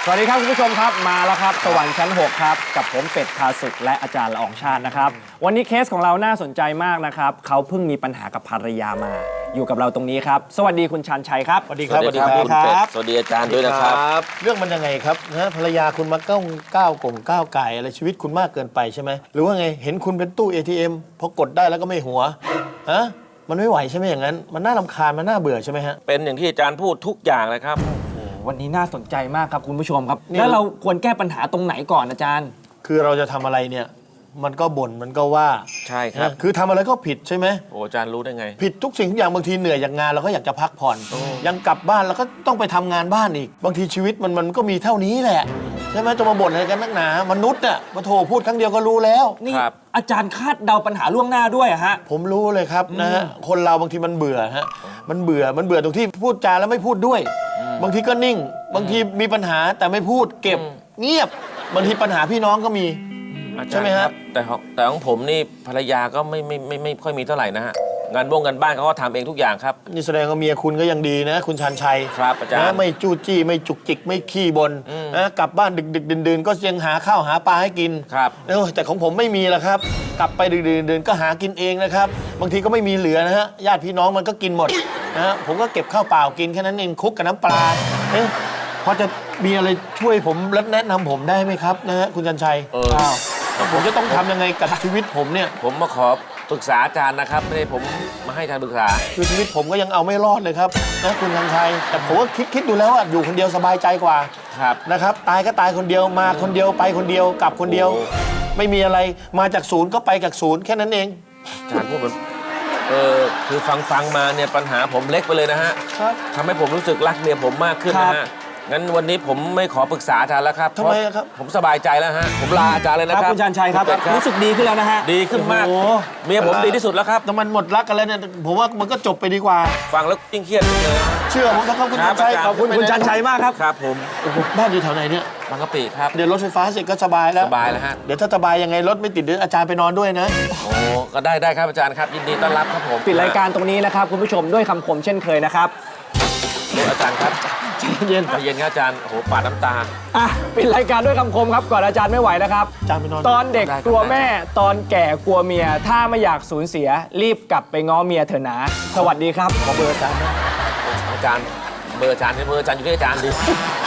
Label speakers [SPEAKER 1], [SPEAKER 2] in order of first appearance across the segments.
[SPEAKER 1] สวัสดีครับคุณผู้ชมครับมาแล้วครับสวรรค์ชั้น 6 ครับกับผมเป็ดพาสุขและอาจารย์ละอองชาตินะครับวันนี้เคสของเราน่าสนใจมากนะครับเขาเพิ่งมีปัญหากับภรรยามาอยู่กับเราตรงนี้ครับสวัสดีคุณชันชัยครับ
[SPEAKER 2] สวัสดีครับ
[SPEAKER 3] สวัสดีครับคุณเป็ดสวัสดีอาจารย์ด้วยนะครับ
[SPEAKER 2] เรื่องมันยังไงครับนะภรรยาคุณมาก้าวไก่อะไรชีวิตคุณมากเกินไปใช่ไหมหรือว่าไงเห็นคุณเป็นตู้ ATM พอกดได้แล้วก็ไม่หัวฮะมันไม่ไหวใช่ไหมอย่างนั้นมันน่ารำคาญมันน่าเบื่อใช่ไหมฮะ
[SPEAKER 3] เป็นอย่างที่อาจารย์พูดทุกอย่างเลยครับ
[SPEAKER 1] วันนี้น่าสนใจมากครับคุณผู้ชมครับแล้วเราควรแก้ปัญหาตรงไหนก่อนอาจารย์
[SPEAKER 2] คือเราจะทำอะไรเนี่ยมันก็บ่นมันก็ว่า
[SPEAKER 3] ใช่ครับ
[SPEAKER 2] คือทำอะไรก็ผิดใช่ไหม
[SPEAKER 3] โอ้อาจารย์รู้ได้ไง
[SPEAKER 2] ผิดทุกสิ่งทุกอย่างบางทีเหนื่อยจากงานเราก็อยากจะพักผ่อนยังกลับบ้านแล้วก็ต้องไปทำงานบ้านอีกบางทีชีวิตมันก็มีเท่านี้แหละใช่ไหมจะมาบ่นอะไรกันนักหนามนุษย์อ่ะมาโทรพูดครั้งเดียวก็รู้แล้ว
[SPEAKER 1] นี่อาจารย์คาดเดาปัญหาล่วงหน้าด้วยอะฮะ
[SPEAKER 2] ผมรู้เลยครับนะฮะคนเราบางทีมันเบื่อฮะมันเบื่อตรงที่พูดจาแล้วไม่พูดด้วยบางทีก็นิ่งบางทีมีปัญหาแต่ไม่พูดเก็บเงียบบางทีปัญหาพี่น้องก็มีใช่ไหมฮะ
[SPEAKER 3] แต่ของผมนี่ภรรยาก็ไม่ค่อยมีเท่าไหร่นะฮะงานบ้านเขาก็ทำเองทุกอย่างครับ
[SPEAKER 2] นี่แสดงว่าเมียคุณก็ยังดีนะคุณชันชัย
[SPEAKER 3] ครับอาจารย์
[SPEAKER 2] ไม่จู้จี้ไม่จุกจิกไม่ขี้บนนะกลับบ้านดึกดื่นก็ยังหาข้าวหาปลาให้กิน
[SPEAKER 3] ครับ
[SPEAKER 2] แต่ของผมไม่มีละครับกลับไปดึกดื่นก็หากินเองนะครับบางทีก็ไม่มีเหลือนะฮะญาติพี่น้องมันก็กินหมดนะฮะผมก็เก็บข้าวเปล่ากินแค่นั้นเองคลุกกับน้ำปลาพอจะมีอะไรช่วยผมและแนะนำผมได้ไหมครับนะฮะคุณชันชัยผมจะต้องทำยังไงกับชีวิตผมเนี่ย
[SPEAKER 3] ผมมาขอปรึกษาอาจารย์นะครับไม่ได้ผมมาให้อาจารย์ปรึกษา
[SPEAKER 2] คือชีวิตผมก็ยังเอาไม่รอดเลยครับนะคุณชันชัยแต่ผมก็คิดดูแล้วว่าอยู่คนเดียวสบายใจกว่านะครับตายก็ตายคนเดียวมาคนเดียวไปคนเดียวกลับคนเดียวไม่มีอะไรมาจากศูนย์ก็ไปจากศูนย์แค่นั้นเอง
[SPEAKER 3] อาจารย์พูดเหมือนคือฟังมาเนี่ยปัญหาผมเล็กไปเลยนะฮะทำให้ผมรู้สึกรักเมียผมมากขึ้นนะฮะงั้นวันนี้ผมไม่ขอปรึกษาอาจารย์แล้วครับ
[SPEAKER 2] ทำไมครับ
[SPEAKER 3] ผมสบายใจแล้วฮะผมลาอาจารย์เลยนะครับ
[SPEAKER 1] คุณชันชัยครับรู้สึกดีขึ้นแล้วนะฮะ
[SPEAKER 3] ดีขึ้นมากเมียผมดีที่สุดแล้วครับ
[SPEAKER 2] แต่มันหมดรักกันแล้วเนี่ยผมว่ามันก็จบไปดีกว่า
[SPEAKER 3] ฟังแล้วยิ่งเครียดเลย
[SPEAKER 2] เชื่อผมนะครับคุณชันชัย
[SPEAKER 1] ขอบคุณคุณชันชัยมากครับ
[SPEAKER 3] ครับผม
[SPEAKER 2] บ้านอยู่แถวไหนเนี่ย
[SPEAKER 3] บางกะปิครับ
[SPEAKER 2] เดี๋ยวรถไฟฟ้าเสร็จก็สบายแล้ว
[SPEAKER 3] สบายแล้วฮะ
[SPEAKER 2] เดี๋ยวถ้าสบายยังไงรถไม่ติดเดี๋ยวอาจารย์ไปนอนด้วยนะ
[SPEAKER 3] โอ้ก็ได้ครับอาจารย์ครับยินดีต้อนรับครับผม
[SPEAKER 1] ปิดรายการตรงนี้นะครับคุณผู้ชมด้วยคำคมเช่นเคยนะครับ
[SPEAKER 3] อาจารย์ครับ
[SPEAKER 1] เย็น
[SPEAKER 3] ครับอาจารย์โอ้โหปาดน้ำตา
[SPEAKER 1] ปิดรายการด้วยคำคมครับก่อนอาจารย์ไม่ไหวนะครับ
[SPEAKER 2] อาจารย์ไปนอน
[SPEAKER 1] ตอนเด็กกลัวแม่ตอนแก่กลัวเมียถ้าไม่อยากสูญเสียรีบกลับไปง้อเมียเถอะนะสวัสดีครับ
[SPEAKER 2] ขอเบอร์อาจารย์นะ
[SPEAKER 3] อาจารย์เบอร์อาจารย์อยู่ที่อาจารย์ดิ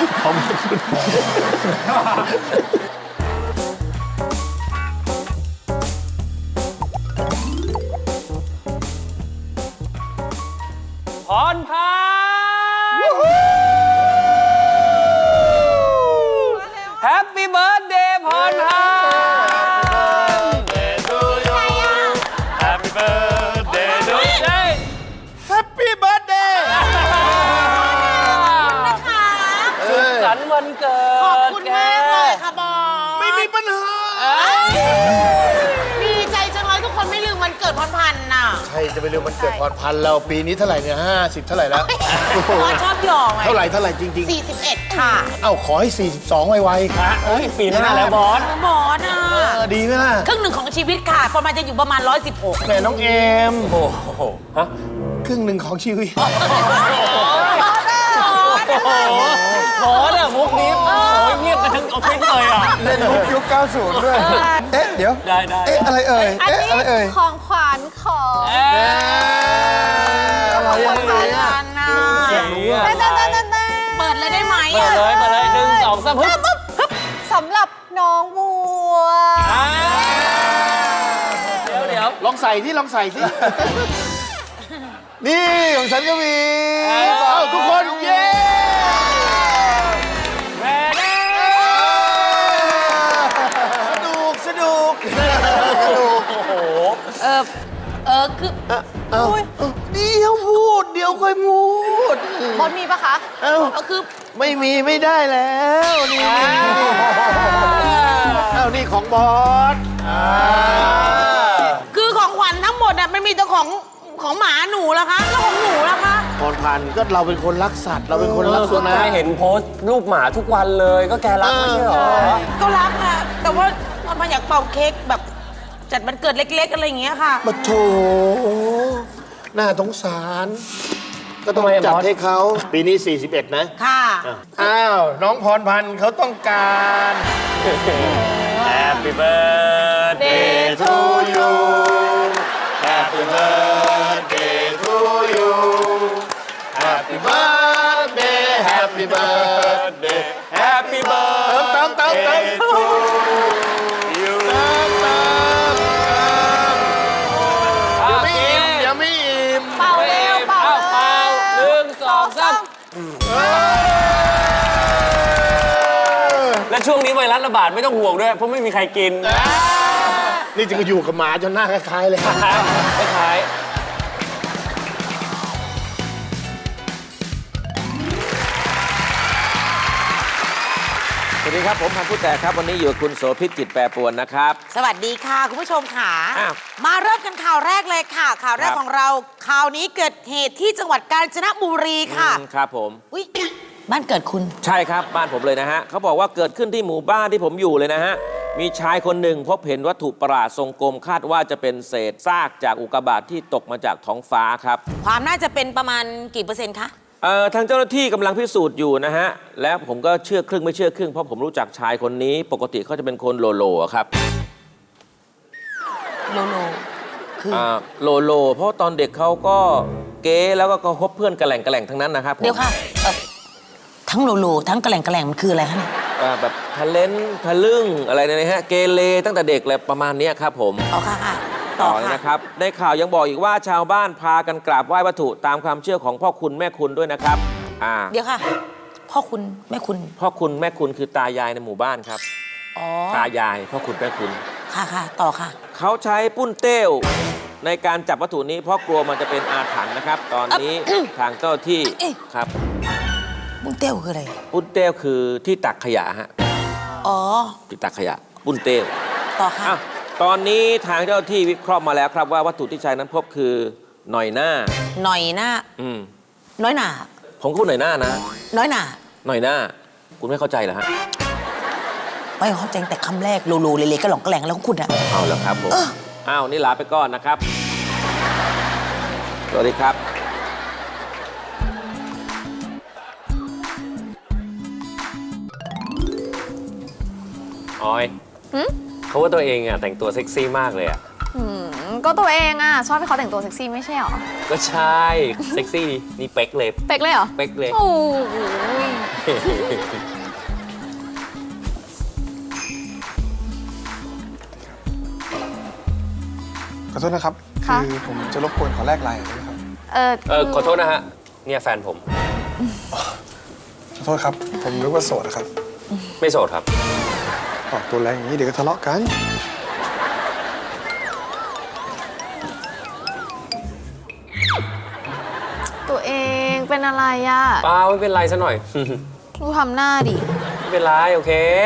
[SPEAKER 1] พรพาแฮปปี้เบิร์ธเดย์พรพา
[SPEAKER 2] แฮปปี้เบิร์ดเดย์
[SPEAKER 1] สุขสันต์วันเกิด
[SPEAKER 4] ขอบคุณมากเลยค่ะบอส
[SPEAKER 2] ไม่มีปัญหา
[SPEAKER 4] ดีใจจังเลยทุกคนไม่ลืมวันเกิดพรพันธ์น่ะ
[SPEAKER 2] ใช่จะไปเรื่องมันเกิดพรพันธ์เราปีนี้เท่าไหร่เนี่ย50เท่าไหร่แล้ว
[SPEAKER 4] บอสชอบหยอกไง
[SPEAKER 2] เท่าไหร่จริง
[SPEAKER 4] ๆ41ค่ะ
[SPEAKER 2] เอ้าขอให้42ไวๆ
[SPEAKER 1] ค่ะปีหน้าแล้วบอส
[SPEAKER 4] อ่ะ
[SPEAKER 2] ดีไหมล่ะ
[SPEAKER 4] ครึ่งหนึ่งของชีวิตค่ะประมาณจะอยู่ประมาณ116
[SPEAKER 2] แม่น้องเอม
[SPEAKER 3] โอ้โหฮะ
[SPEAKER 2] ครึ่งหนึ่งของชีวิต
[SPEAKER 1] บอสอะมุกนี้เงียบกันทั้งออฟฟิศเลยอ่ะ
[SPEAKER 2] เล่นมุกยุค90ด้วยเดี๋ยว
[SPEAKER 1] ได้
[SPEAKER 2] อะไรเอ่ยอะไรเอ่ย
[SPEAKER 4] ของขวัญของ
[SPEAKER 2] อะไร
[SPEAKER 4] อ่ะเปิดเลยได้ไหม
[SPEAKER 1] เปิดเลย1 2 3ฮึบ
[SPEAKER 4] สำหรับน้องบัว
[SPEAKER 1] เดี๋ยว
[SPEAKER 2] ลองใส่ที่นี่ของฉันก็มีทุกคนเย้สนุกโอ้โห
[SPEAKER 4] คือ
[SPEAKER 2] เดี๋ยวพูดเดี๋ยวค่อยพูด
[SPEAKER 4] บอสมีปะคะคือ
[SPEAKER 2] ไม่มีไม่ได้แล้วนี่นี่ของบอส
[SPEAKER 4] คือของขวัญทั้งหมดอ่ะไม่มีแต่ของหมาหนูแล้วคะแล้วของหนูแล้วคะ
[SPEAKER 2] พรพันธ์ก็เราเป็นคนรักสัตว์เราเป็นคนรักสุนัข
[SPEAKER 1] เห็นโพสต์รูปหมาทุกวันเลยก็แกรักไม่ใช่หรอ
[SPEAKER 4] ก็รักนะแต่ว่ามันอยากเป่าเค้กแบบจัดวันเกิดเล็กๆอะไรอย่างเงี้ยค่ะ
[SPEAKER 2] มาโถน่าสงสารก็ต้อง
[SPEAKER 1] ทำไมอะ
[SPEAKER 2] จัด
[SPEAKER 1] บอส
[SPEAKER 2] ให้เขาปีนี้ 41 นะ
[SPEAKER 4] ค่ะ
[SPEAKER 2] อ้าว น้องพรพันธ์เขาต้องการ
[SPEAKER 3] Happy birthday
[SPEAKER 2] to you Happy birthday to you Happy birthday Happy birthday
[SPEAKER 3] Happy birthday
[SPEAKER 2] เติม
[SPEAKER 3] to you
[SPEAKER 2] เติมเดี๋ยวไม่อิ่ม
[SPEAKER 4] เป่าเร็วเป่า
[SPEAKER 3] เป่าหนึ่งสองสามและช่วงนี้ไวรัสระบาดไม่ต้องห่วงด้วย เพราะไม่มีใครกิน
[SPEAKER 2] นี่จะอยู่กับหมาจนหน้าคล้ายๆเลย
[SPEAKER 3] คล้ายสวัสดีครับ ผมพันธุ์ผู้แต่ครับ วันนี้อยู่กับคุณโสภิตจิตแปรปรวนนะครับ
[SPEAKER 4] สวัสดีค่ะ คุณผู้ชมค่ะ
[SPEAKER 3] อ้าว
[SPEAKER 4] มาเริ่มกันข่าวแรกเลยค่ะ ข่าวแรก
[SPEAKER 3] ครับ
[SPEAKER 4] ของเราข่าวนี้เกิดเหตุที่จังหวัดกาญจนบุรีค่ะ
[SPEAKER 3] ครับผม
[SPEAKER 4] อุ้ยบ้านเกิดคุณ
[SPEAKER 3] ใช่ครับบ้านผมเลยนะฮะเขาบอกว่าเกิดขึ้นที่หมู่บ้านที่ผมอยู่เลยนะฮะมีชายคนหนึ่งพบเห็นวัตถุประหลาดทรงกลมคาดว่าจะเป็นเศษซากจากอุกกาบาตที่ตกมาจากท้องฟ้าครับ
[SPEAKER 4] ความน่าจะเป็นประมาณกี่เปอร์เซ็นต์คะ
[SPEAKER 3] ทางเจ้าหน้าที่กำลังพิสูจน์อยู่นะฮะและผมก็เชื่อครึ่งไม่เชื่อครึ่งเพราะผมรู้จักชายคนนี้ ปกติเขาจะเป็นคนโลโลอะครับ
[SPEAKER 4] โลโลคือ
[SPEAKER 3] โลโล เพราะตอนเด็กเขาก็เก๊แล้วก็คบเพื่อนกระแหล่งทั้งนั้นนะครับผม
[SPEAKER 4] เดี๋ยวค่ะทั้งโลโลทั้งกระแหล่งมันคืออะไรคะเนี่ย
[SPEAKER 3] แบบทะเลนทะลึ่งอะไรเนี่ยนะฮะเกเรตั้งแต่เด็กเลยประมาณเนี้ยครับผม
[SPEAKER 4] อ๋อค่ะค่ะ
[SPEAKER 3] ต่
[SPEAKER 4] ต่
[SPEAKER 3] อ
[SPEAKER 4] อ
[SPEAKER 3] เลย
[SPEAKER 4] ค่ะ
[SPEAKER 3] นะครับในข่าวยังบอกอีกว่าชาวบ้านพากันกราบไหว้วัตถุตามความเชื่อของพ่อคุณแม่คุณด้วยนะครับ
[SPEAKER 4] เดี๋ยวค่ะ พ่อคุณแม่คุณ
[SPEAKER 3] พ่อคุณแม่คุณคือตายายในหมู่บ้านครับ
[SPEAKER 4] อ๋อ
[SPEAKER 3] ตายายพ่อคุณแม่คุณ
[SPEAKER 4] ค่ะค่ะต่อค่ะ
[SPEAKER 3] เขาใช้ปุ้นเต้วในการจับวัตถุนี้เพราะกลัวมันจะเป็นอาถรรพ์นะครับ ตอนนี้ทางเจ้าที่ครับ
[SPEAKER 4] บุ้งเต้วคืออะไร
[SPEAKER 3] ปุ้นเต้วคือที่ตักขยะฮะ
[SPEAKER 4] อ๋อ
[SPEAKER 3] ที่ตักขยะปุ้นเต้ว
[SPEAKER 4] ต่อค่ะ
[SPEAKER 3] อ้าวตอนนี้ทางเจ้าที่วิเคราะห์มาแล้วครับว่าวัตถุที่ใช้นั้นพบคือหน่อยหน้า
[SPEAKER 4] หน่อยหน้า น้อยหนา
[SPEAKER 3] ผมก็พูดหน่อยหน้านะ
[SPEAKER 4] น้อยหนา
[SPEAKER 3] หน่อยหน้า คุณไม่เข้าใจเหรอฮะ
[SPEAKER 4] ไม่เข้าใจแต่คำแรกโลโลเลเลก็หลงกระแหลงแล้วของคุณอะ
[SPEAKER 3] เอาแล้วครับผมอ้าวนี่ลาไปก่อนนะครับ สวัสดีครับ
[SPEAKER 5] ออยเขาว่าตัวเองอ่ะแต่งตัวเซ็กซี่มากเลยอ่ะ
[SPEAKER 6] ก็ตัวเองอ่ะ ชอบให้เขาแต่งตัวเซ็กซี่ไม่ใช่หรอ
[SPEAKER 5] ก็ใช่ เซ็กซี่นี่เป๊กเลย
[SPEAKER 6] เป็กเลยเหรอ
[SPEAKER 5] เป๊กเลย
[SPEAKER 6] โอ้ย
[SPEAKER 7] ขอโทษนะครับ
[SPEAKER 6] ค่ะ
[SPEAKER 7] คือผมจะรบกวนขอแลกไลน์หน่อยได้ไหมครับ
[SPEAKER 5] ขอโทษนะฮะ เนี่ยแฟนผม
[SPEAKER 7] ขอโทษครับ ผมนึกว่าโสดนะครับ
[SPEAKER 5] ไม่โสดครับ
[SPEAKER 7] ออกตัวแรงอย่างนี้เดี๋ยวก็ทะเลาะกัน
[SPEAKER 6] ตัวเองเป็นอะไรอ่ะ
[SPEAKER 5] เปล่าไม่เป็นไรซะหน่อย
[SPEAKER 6] ดูทำหน้าดิ
[SPEAKER 5] ไม่เป็นไรโอเค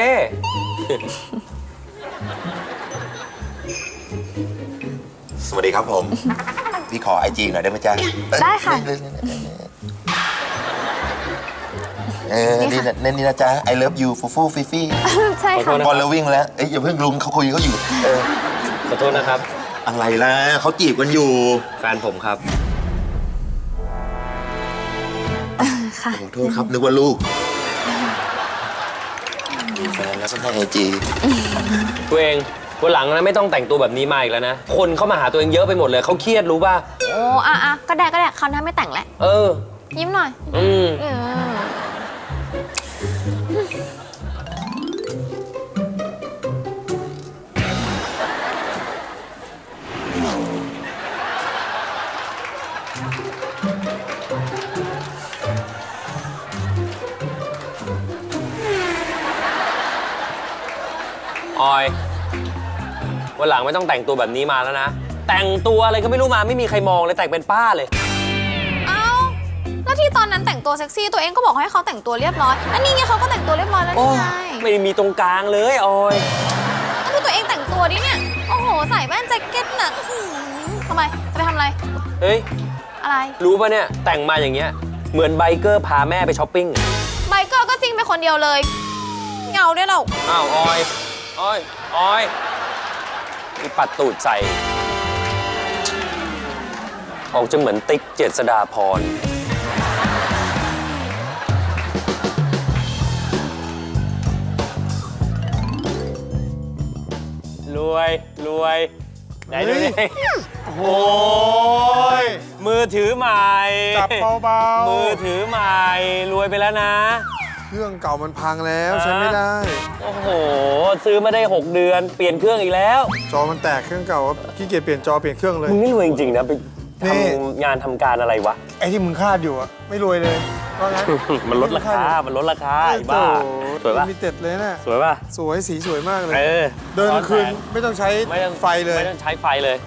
[SPEAKER 8] สวัสดีครับผม พี่ขอไอจีหน่อยได้ไหมจ๊ะ
[SPEAKER 6] ได้ค่ะ
[SPEAKER 8] นี่นะนี่นะจ๊ะ I love you ฟูฟูฟิฟี่
[SPEAKER 6] ใช่
[SPEAKER 5] ขอโท
[SPEAKER 6] ค่ะ
[SPEAKER 5] ษนะ
[SPEAKER 8] บอลแล้ววิ่งแล้ว เอ้ยอย่าเพิ่งลุงเขาคุยเขาอยู่
[SPEAKER 5] ขอโทษนะครับ
[SPEAKER 8] อะไรล่ะเขาจีบกันอยู่
[SPEAKER 5] แฟนผมครับ
[SPEAKER 6] ค่ะ
[SPEAKER 8] ขอโทษครับ นึกว่าลูกมีแฟนแล้วก็ให้ไอจี
[SPEAKER 5] ตัวเองวันหลังนะไม่ต้องแต่งตัวแบบนี้มาอีกแล้วนะ คนเข้ามาหาตัวเองเยอะไปหมดเลยเขาเครียดรู้ป่ะ
[SPEAKER 6] โอ้อ่ะก็ได้คราวหน้าไม่แต่งแล้ว
[SPEAKER 5] เออ
[SPEAKER 6] ยิ้มหน่อย
[SPEAKER 5] อืม
[SPEAKER 6] อืม
[SPEAKER 5] ออยวันหลังไม่ต้องแต่งตัวแบบนี้มาแล้วนะ แต่งตัวอะไรก็ไม่รู้มาไม่มีใครมองเลยแต่งเป็นป้าเลย
[SPEAKER 6] เอ้า แล้วที่ตอนนั้นแต่งตัวเซ็กซี่ตัวเองก็บอกให้เขาแต่งตัวเรียบร้อยแล้วนี่ไงเขาก็แต่งตัวเรียบร้อยแล้วนี่ไง
[SPEAKER 5] ไม่มีตรงกลางเลยออย
[SPEAKER 6] ดูตัวเองแต่งตัวดิเนี่ย โอ้โห ใส่แว่นแจ็คเก็ตน่ะอื้อหือทำไมจะไปทำอะไร
[SPEAKER 5] เฮ้ย
[SPEAKER 6] อะไร
[SPEAKER 5] รู้ป่ะเนี่ย แต่งมาอย่างเงี้ย เหมือนไบเกอร์พาแม่ไปช้อปปิ้ง
[SPEAKER 6] ไบเกอร์ก็ซิ่งไปคนเดียวเลยเหงาด้วยเรา
[SPEAKER 5] อ้าวออยมีปัดตูดใส่ ออกจะเหมือนติ๊กเจษฎาพรรวยรวยไหนดูดิ
[SPEAKER 7] โอ้ย
[SPEAKER 5] มือถือใหม่
[SPEAKER 7] จับเบาๆ
[SPEAKER 5] มือถือใหม่รวยไปแล้วนะ
[SPEAKER 7] เครื่องเก่ามันพังแล้วใช้ไม่ได้
[SPEAKER 5] โอ้โห ซื้อมาได้ 6 เดือนเปลี่ยนเครื่องอีกแล้ว
[SPEAKER 7] จอมันแตกเครื่องเก่าขี้เกียจเปลี่ยนจอเปลี่ยนเครื่องเลย
[SPEAKER 5] มึงนี่รวยจริงๆนะไป
[SPEAKER 7] นี่
[SPEAKER 5] ทำงานทำการอะไรวะ
[SPEAKER 7] ไอ้ที่มึงคาดอยู่อะไม่รวยเลยเพราะงั้น
[SPEAKER 5] มันลดราคา มันลดราคาไอ้บ้า สวยป่ะ
[SPEAKER 7] มีเต็ดเลยนะ
[SPEAKER 5] สวยป่ะ
[SPEAKER 7] สวยสีสวยมากเลย
[SPEAKER 5] เออ
[SPEAKER 7] เดินกลางคืนไม่ต้องใช้
[SPEAKER 5] ไม่ต้อง
[SPEAKER 7] ไฟเลย
[SPEAKER 5] ไม่ต้องใช้ไฟเลย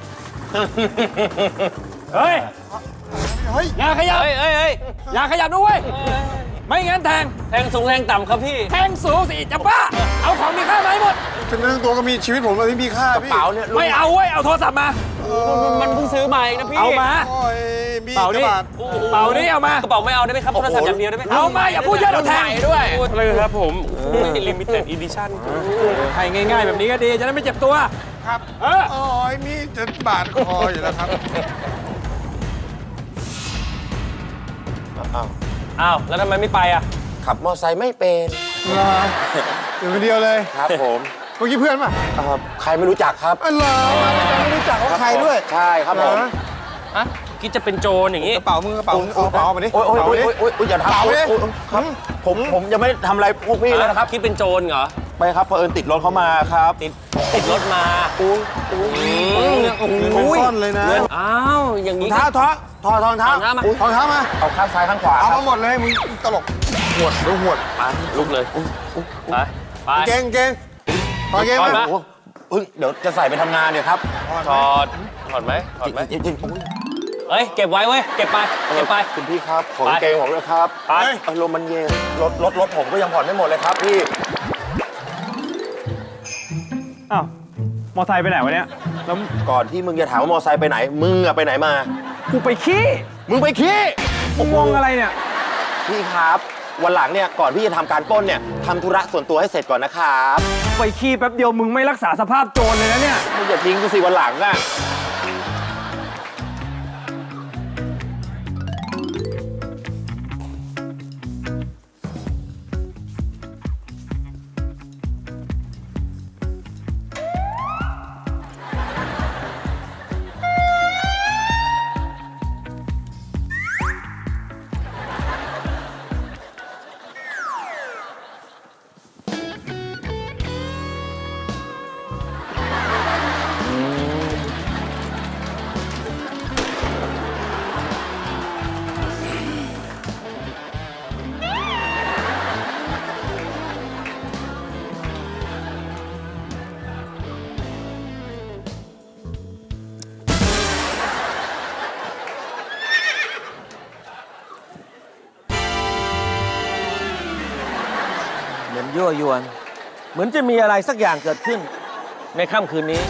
[SPEAKER 1] เฮ้ย
[SPEAKER 7] เฮ้ย
[SPEAKER 1] อย่าขยับ
[SPEAKER 5] เฮ้ยเฮ้ยเฮ้ย
[SPEAKER 1] อย่าขยับด้วยไม่งั้นแทง
[SPEAKER 5] แทงสูงแทงต่ำครับพี่
[SPEAKER 1] แทงสูงสิจะบ้า เอาของมีค่ามาให้หมด
[SPEAKER 7] ถึงเรื่องตัวก็มีชีวิตผมเลยที่มีค่าพี่
[SPEAKER 5] เป๋าเนี่ย
[SPEAKER 1] ไม่เอาเว้ย เอาโทรศัพท์มา
[SPEAKER 5] มันเพิ่งซื้อมาเองนะพี่
[SPEAKER 1] เอามา
[SPEAKER 7] โอ้ยมี
[SPEAKER 1] เป๋า
[SPEAKER 7] ก
[SPEAKER 1] นี่
[SPEAKER 7] ระบาด
[SPEAKER 1] เป๋านี่เอามา
[SPEAKER 5] กระเป๋าไม่เอาได้ไหมครับ โทรศัพท์อย่างเดียวได้ไหมครับ
[SPEAKER 1] เอามาอย่าพูดเยอะเดี๋ยวแทงด้วย
[SPEAKER 5] อะไรครับผมลิมิเต็ดอีดิชั่น
[SPEAKER 1] ให้ง่ายๆแบบนี้ก็ดี จะได้ไม่เจ็บตัว
[SPEAKER 7] ครับ
[SPEAKER 1] เออ
[SPEAKER 7] โอ้ยมีจะบาดคออยู่แล้วครับ
[SPEAKER 5] อ้าว แล้วทำไมไม่ไปอ่ะ
[SPEAKER 8] ขับมอไซค์ไม่เป็น
[SPEAKER 7] อยู่คนเดียวเลย
[SPEAKER 8] ครับผม
[SPEAKER 7] เมื่อกี้เพื่อนป่ะ
[SPEAKER 8] ใครไม่รู้จักครับ
[SPEAKER 7] อ๋อเหรอไม่รู้จักว่าใครด้วย
[SPEAKER 8] ใช่ครับผม
[SPEAKER 7] เหรอ
[SPEAKER 5] ฮะ คิดจะเป็นโจรอย่างงี้
[SPEAKER 7] กระเป๋ามึงกระเป๋ามึงเอากระเป๋ามาดิ
[SPEAKER 8] โอ้ยโอ้ย
[SPEAKER 7] กระ
[SPEAKER 8] โอ้
[SPEAKER 7] เป๋าย มาดิ
[SPEAKER 8] โอ้ยอย่าทำ
[SPEAKER 7] เปล่าเลย
[SPEAKER 8] โอ้ยครับผมยังไม่ได้ทำอะไรพวกพี่เลยนะครับ
[SPEAKER 5] คิดเป็นโจรเหรอ
[SPEAKER 8] ไปครับเผอิญติดรถเขามาครับ
[SPEAKER 5] ติดรถมา
[SPEAKER 7] มึงซ่อนเลยนะ
[SPEAKER 5] อ้าว อย่าง
[SPEAKER 7] รอ
[SPEAKER 5] นี้
[SPEAKER 7] งเท้าถอดรองเท้า
[SPEAKER 5] ถอดรองเท้ามา
[SPEAKER 7] ถอดรองเท้ามา
[SPEAKER 8] เอาข้างซ้ายข้างขวา
[SPEAKER 7] เอา
[SPEAKER 8] ครั
[SPEAKER 7] มา
[SPEAKER 8] บ
[SPEAKER 7] หมดเลยมึงตลกหวดดูหวด
[SPEAKER 5] ไปลุกเลย ไป ไป
[SPEAKER 7] เก่งถอดเก่ง
[SPEAKER 5] ถอด
[SPEAKER 7] มา
[SPEAKER 5] มา
[SPEAKER 8] โอ้เฮ้ยเดี๋ยวจะใส่ไปทำงานเนี่ยครับ
[SPEAKER 5] ถอด ถอดไหมถอดไหม
[SPEAKER 8] จริงๆ
[SPEAKER 5] เอ้ย เก็บไว้เว้ย เก็บไป เก็บไป
[SPEAKER 8] คุณพี่ครับของ
[SPEAKER 5] ไป
[SPEAKER 8] เกงผมเลยครับ
[SPEAKER 5] ไป
[SPEAKER 8] อารมณ์มันเย็นรถผมก็ยังผ่อนไม่หมดเลยครับพี่
[SPEAKER 1] อ้าว มอไซค์ไปไหนวะเนี่ย แล้ว
[SPEAKER 8] ก่อนที่มึงจะถามว่ามอไซค์ไปไหน มึงอะไปไหนมา
[SPEAKER 1] กูไปขี้
[SPEAKER 8] มึงไปขี้
[SPEAKER 1] มึงมองอะไรเนี่ย
[SPEAKER 8] พี่ครับ วันหลังเนี่ยก่อนที่จะทำการปล้นเนี่ยทำธุระส่วนตัวให้เสร็จก่อนนะครับ
[SPEAKER 1] ไปขี้แป๊บเดียวมึงไม่รักษาสภาพโจรเลยนะเนี่ย
[SPEAKER 8] มึงอย่าทิ้งกูสิวันหลังอะ
[SPEAKER 3] เหมือนยั่วยวน เหมือนจะมีอะไรสักอย่างเกิดขึ้น ในค่ำคืนนี้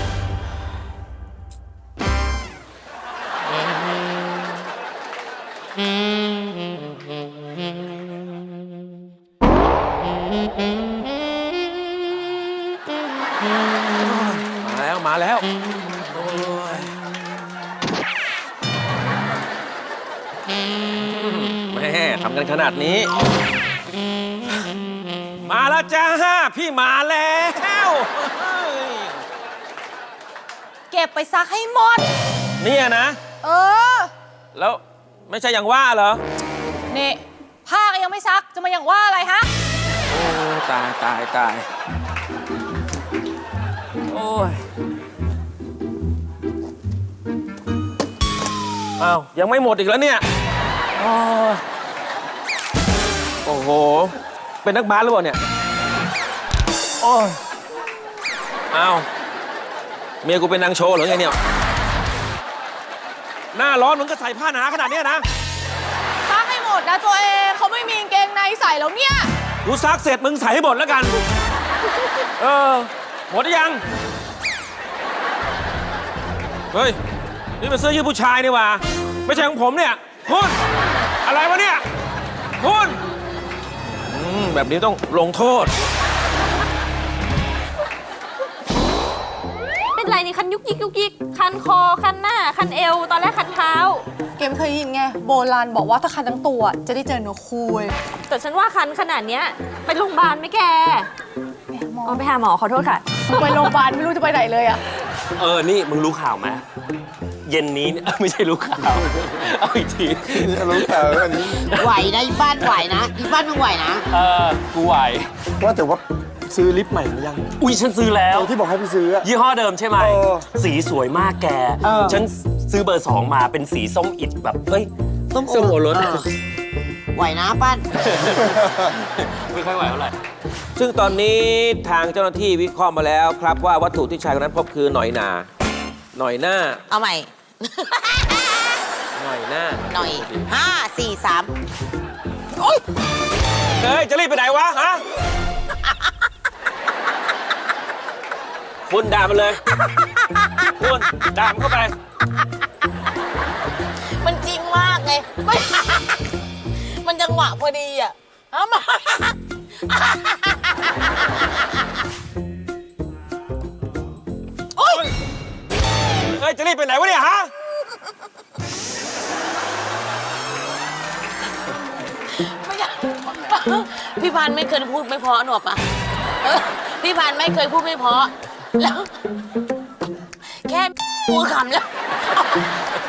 [SPEAKER 3] มาแล้วโอ้ยแม่ทำกันขนาดนี้ มาแล้วจ้าพี่มาแล้ว
[SPEAKER 6] เก็บไปซักให้หมด
[SPEAKER 3] เนี่ยนะ
[SPEAKER 6] เออ
[SPEAKER 3] แล้วไม่ใช่อย่างว่าเหรอ
[SPEAKER 6] นี่ผ้าก็ยังไม่ซัก จะมาอย่างว่าอะไรฮะ
[SPEAKER 3] โอ้ตายตายตายโอ้ยอ้าวยังไม่หมดอีกแล้วเนี่ยโอ้ยโอ้โห เป็นนักบาสหรือเปล่าเนี่ย โอ้ยอ้าวเมียกูเป็นนางโชว์เหรือไงเนี่ย หน้าร้อนมึงก็ใส่ผ้าหนาขนาดเนี้ยนะ
[SPEAKER 6] ซักให้หมดนะตัวเองเขาไม่มีกางเกงในใส่แล้วเนี่ย
[SPEAKER 3] กูซักเสร็จมึงใส่ให้หมดแล้วกัน เออ หมดหรือยัง เฮ้ย นี่มันเสื้อยืดผู้ชายนี่หว่า ไม่ใช่ของผมเนี่ย คุณ อะไรวะเนี่ย คุณแบบนี้ต้องลงโทษ
[SPEAKER 6] เป็นไรนี่คันยุกยิกยุกยิกคันคอคันหน้า คันเอว ตอนแรกคันเท้า
[SPEAKER 9] เกมเคยได้ยินไงโบราณบอกว่าถ้าคันทั้งตัวจะได้เจอเนื้อคู่เว้ย
[SPEAKER 6] แต่ฉันว่าคันขนาดเนี้ยไปโรงพยาบาลไหมแกอ๋อไปหาหมอขอโทษค่ะ
[SPEAKER 9] ไปโรงพยาบาลไม่รู้จะไปไหนเลยอ่ะ
[SPEAKER 5] นี่มึงรู้ข่าวไหมเย็นนี้เนี่ย ไม่ใช่รู้ข่าว เอาอีกที
[SPEAKER 7] รู้ข่าวอันนี้
[SPEAKER 4] ไหวนะอีบ้านไหวนะอีบ้านมึงไหวนะ
[SPEAKER 5] กูไหว
[SPEAKER 7] ว่าแต่ว่าซื้อลิปใหม่หรือยัง
[SPEAKER 5] อุ้ยฉันซื้อแล้ว
[SPEAKER 7] ที่บอกให้ไปซื้ออะ
[SPEAKER 5] ยี่ห้อเดิมใช่ไหม
[SPEAKER 7] เออ
[SPEAKER 5] สีสวยมากแก ฉันซื้อเบอร์ 2 มาเป็นสีส้มอิดแบบเฮ้ยส้มโอรส
[SPEAKER 4] ไหวนะป้าน
[SPEAKER 5] ไม่ค่อยไหวเท่าไหร่
[SPEAKER 3] ซึ่งตอนนี้ทางเจ้าหน้าที่วิเคราะห์มาแล้วครับว่าวัตถุที่ชายคนนั้นพบคือหน่อยหนาหน่อยหน้า
[SPEAKER 4] เอาใหม่
[SPEAKER 3] หน่อยหน้า
[SPEAKER 4] หน่อย 5 4 3 โอ๊ย
[SPEAKER 3] เฮ้ย จะรีบไปไหนวะ ฮะ คุณด่ามันเลย คุณด่ามันเข้าไป
[SPEAKER 4] มันจริงมากไงไม่ มันจังหวะพอดีอ่ะเอามา โอ๊ย
[SPEAKER 3] เฮ้ย จะรีบไปไหนวะเนี่ย ฮะ
[SPEAKER 4] ไม่ได้พี่พันธุ์ไม่เคยพูดไม่เพราะหนวกปะพี่พันธุ์ไม่เคยพูดไม่เพราะแล้ว แค่พูดคำแล้ว